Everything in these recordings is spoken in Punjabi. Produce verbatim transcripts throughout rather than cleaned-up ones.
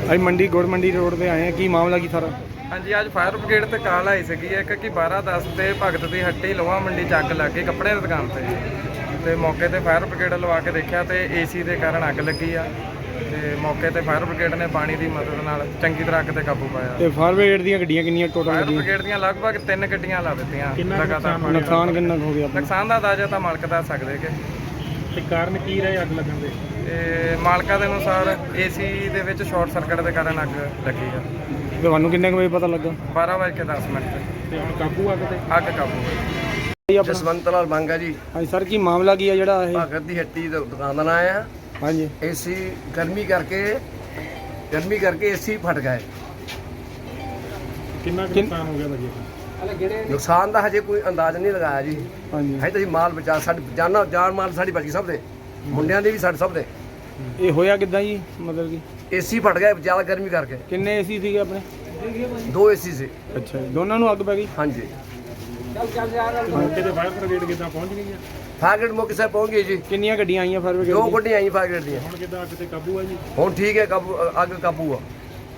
ਅੱਜ ਮੰਡੀ ਗੁੜ ਮੰਡੀ ਰੋਡ ਤੇ ਆਏ ਆ, ਕੀ ਮਾਮਲਾ ਕੀ ਸਾਰਾ? ਹਾਂਜੀ, ਅੱਜ ਫਾਇਰ ਬ੍ਰਿਗੇਡ ਤੇ ਕਾਲ ਆਈ ਸੀਗੀ ਇੱਕ ਕਿ ਬਾਰਾਂ ਦਸ ਤੇ ਭਗਤ ਦੀ ਹੱਟੀ ਲੋਹਾ ਮੰਡੀ ਚ ਅੱਗ ਲੱਗ ਗਈ ਕੱਪੜੇ ਦੀ ਦੁਕਾਨ ਤੇ। ਤੇ ਮੌਕੇ ਤੇ ਫਾਇਰ ਬ੍ਰਿਗੇਡ ਲਵਾ ਕੇ ਦੇਖਿਆ ਤੇ ਏਸੀ ਦੇ ਕਾਰਨ ਅੱਗ ਲੱਗੀ ਆ। ਤੇ ਮੌਕੇ ਤੇ ਫਾਇਰ ਬ੍ਰਿਗੇਡ ਨੇ ਪਾਣੀ ਦੀ ਮਦਦ ਨਾਲ ਚੰਗੀ ਤਰ੍ਹਾਂ ਅੱਗ ਤੇ ਕਾਬੂ ਪਾਇਆ। ਤੇ ਫਾਇਰ ਬ੍ਰਿਗੇਡ ਦੀਆਂ ਗੱਡੀਆਂ ਕਿੰਨੀਆਂ ਟੋਟਲ ਫਾਇਰ ਲੱਗੀਆਂ? ਬ੍ਰਿਗੇਡ ਦੀਆਂ ਲਗਭਗ ਤਿੰਨ ਗੱਡੀਆਂ ਲਾ ਦਿੱਤੀਆਂ ਲਗਾਤਾਰ। ਨੁਕਸਾਨ ਕਿੰਨਾ ਕੁ ਹੋ ਗਿਆ ਆਪਣਾ? ਨੁਕਸਾਨ ਦਾ ਅੰਦਾਜ਼ਾ ਤਾਂ ਮਾਲਕ ਦੱਸ ਸਕਦੇ ਕਿ ਤੇ ਕਾਰਨ ਕੀ ਰਹੇ ਅੱਗ ਲੱਗਣ ਦੇ? ਤੇ ਮਾਲਕਾਂ ਦੇ ਅਨੁਸਾਰ ਏਸੀ ਦੇ ਵਿੱਚ ਸ਼ਾਰਟ ਸਰਕਟ ਦੇ ਕਾਰਨ ਅੱਗ ਲੱਗੀ ਆ। ਤੁਹਾਨੂੰ ਕਿੰਨੇ ਕੁ ਵਜੇ ਪਤਾ ਲੱਗਾ? ਬਾਰਾਂ ਵਜੇ ਕੇ ਦਸ ਮਿੰਟ ਤੇ ਤੇ ਹੁਣ ਕਾਬੂ ਅੱਗ ਤੇ? ਅੱਗ ਕਾਬੂ ਹੋਈ। ਜਸਵੰਤ ਲਾਲ ਮੰਗਾ ਜੀ। ਹਾਂਜੀ ਸਰ, ਕੀ ਮਾਮਲਾ ਕੀ ਆ ਜਿਹੜਾ ਇਹ? ਭਗਤ ਦੀ ਹੱਟੀ ਦਾ ਦੁਕਾਨ ਦਾ ਨਾਂ ਆ। ਹਾਂਜੀ, ਏਸੀ ਗਰਮੀ ਕਰਕੇ ਗਰਮੀ ਕਰਕੇ ਏਸੀ ਫਟ ਗਏ। ਕਿੰਨਾ ਕੁ ਨੁਕਸਾਨ ਹੋ ਗਿਆ ਭਾਜੀ? ਨੁਕਸਾਨ ਦਾ ਹਜੇ ਕੋਈ ਅੰਦਾਜ਼ ਨਹੀਂ ਲਗਾਇਆ ਜੀ। ਹਾਂਜੀ, ਹਜੇ ਤਾਂ ਅਸੀਂ ਮਾਲ ਬਚਾ ਸਾਡੀ ਜਾਨਾਂ ਜਾਨ ਮਾਲ ਸਾਡੀ ਬਚ ਗਈ ਸਭ ਦੇ, ਮੁੰਡਿਆਂ ਦੇ ਵੀ ਸਾਡੇ ਸਭ ਦੇ। ਇਹ ਹੋਇਆ ਕਿੱਦਾਂ ਜੀ? ਮਤਲਬ ਕਿ ਏਸੀ ਫਟ ਗਏ ਜ਼ਿਆਦਾ ਗਰਮੀ ਕਰਕੇ। ਕਿੰਨੇ ਏਸੀ ਸੀਗੇ ਆਪਣੇ? ਦੋ ਏਸੀ ਸੀ। ਅੱਛਾ ਜੀ, ਦੋਨਾਂ ਨੂੰ ਅੱਗ ਪੈ ਗਈ? ਹਾਂਜੀ, ਮੌਕੇ ਤੇ ਫਾਇਰ ਬ੍ਰਿਗੇਡ ਕਿੱਦਾਂ ਪਹੁੰਚ ਗਈ ਆ? ਫਾਗੜ ਮੌਕੇ ਸਾਹਿਬ ਪਹੁੰਚ ਗਏ ਜੀ। ਕਿੰਨੀਆਂ ਗੱਡੀਆਂ ਆਈਆਂ ਫਾਇਰ ਦੋ ਬ੍ਰਿਗੇਡ? ਗੱਡੀਆਂ ਆਈਆਂ ਫਾਗੜ ਦੀਆਂ। ਹੁਣ ਕਿੱਦਾਂ ਅੱਗ ਤੇ ਕਾਬੂ ਆ ਜੀ? ਹੁਣ ਠੀਕ ਹੈ, ਕਾਬੂ ਅੱਗ ਕਾਬੂ ਆ।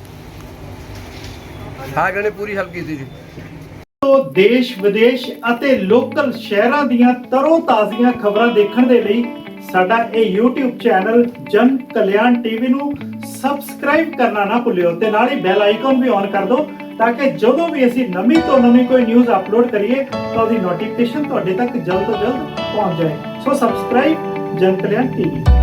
ਫਾਗੜ ਨੇ ਪੂਰੀ ਹੈਲਪ ਕੀਤੀ ਜੀ। ਤੋਂ ਦੇਸ਼ ਵਿਦੇਸ਼ ਅਤੇ ਲੋਕਲ ਸ਼ਹਿਰਾਂ ਦੀਆਂ ਤਰੋ ਤਾਜ਼ੀਆਂ ਖਬਰਾਂ ਦੇਖਣ ਦੇ ਲਈ ਸਾਡਾ ਇਹ YouTube ਚੈਨਲ ਜਨ ਕਲਿਆਣ ਟੀਵੀ ਨੂੰ ਸਬਸਕ੍ਰਾਈਬ ਕਰਨਾ ਨਾ ਭੁੱਲਿਓ ਤੇ ਨਾਲ ਹੀ ਬੈਲ ਆਈਕਨ ਵੀ ਔਨ ਕਰ ਦਿਓ ਤਾਂ ਕਿ ਜਦੋਂ ਵੀ ਅਸੀਂ ਨਵੀਂ ਤੋਂ ਨਵੀਂ ਕੋਈ ਨਿਊਜ਼ ਅਪਲੋਡ ਕਰੀਏ ਤਾਂ ਉਹਦੀ ਨੋਟੀਫਿਕੇਸ਼ਨ ਤੁਹਾਡੇ ਤੱਕ ਜਲਦ ਤੋਂ ਜਲਦ ਪਹੁੰਚ ਜਾਏ। ਸੋ ਸਬਸਕ੍ਰਾਈਬ ਜਨ ਕਲਿਆਣ ਟੀਵੀ।